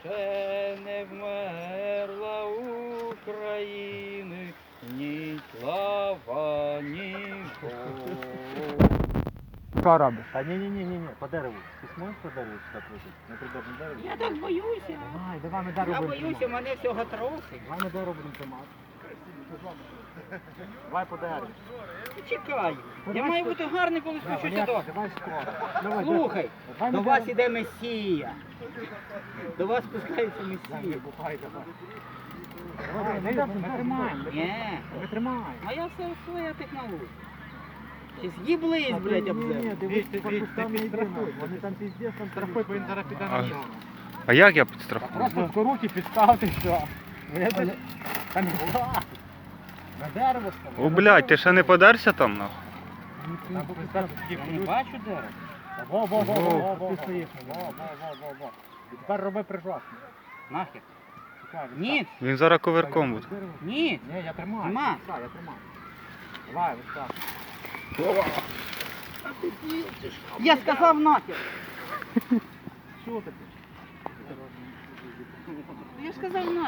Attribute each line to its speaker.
Speaker 1: Ще не вмерла України, ні слава, ні Бог.
Speaker 2: Що робиш?
Speaker 3: Та ні, по дереву. Ти зможеш по дереву сюди пройти? На придорожне дерево?
Speaker 1: Я так боюся.
Speaker 2: Давай ми дерево
Speaker 1: Я
Speaker 2: будемо
Speaker 1: боюся,
Speaker 2: тримати.
Speaker 1: мене всього трохи.
Speaker 2: Давай ми дерево будемо тримати.
Speaker 3: Давай по дереву.
Speaker 1: Чекай. Я маю бути гарний, коли спущуся до.
Speaker 2: Давай скоро.
Speaker 1: Слухай,
Speaker 2: Давай
Speaker 1: до
Speaker 2: ми
Speaker 1: вас
Speaker 2: дерево-
Speaker 1: іде Месія. До вас спускається Месія.
Speaker 2: Давай, ми тримаємо.
Speaker 1: Ні.
Speaker 2: Ми тримаємо.
Speaker 1: А я все своя технологія. Чи з'їблись, блядь, об землю.
Speaker 2: Дивись, ти підстрахуй. Вони там піздець, там страхують, бо він зараз піде на нього.
Speaker 4: А як я підстрахую?
Speaker 2: Просто в руки підставте, що. Там на дерево ставили.
Speaker 4: О, блядь, ти ще не подерся там, нахуй?
Speaker 1: Я не бачу дерева.
Speaker 2: Во. Ти стоїш. Во. І тепер роби прижасне.
Speaker 1: Нахер. Ні,
Speaker 4: Він зараз коверком буде.
Speaker 1: ні.
Speaker 2: Ні, я тримаю.
Speaker 1: Нема.
Speaker 2: Так, я тримаю. Давай, ось так.
Speaker 1: Я сказав нахер.
Speaker 2: Що таке?
Speaker 1: Я сказав нахер.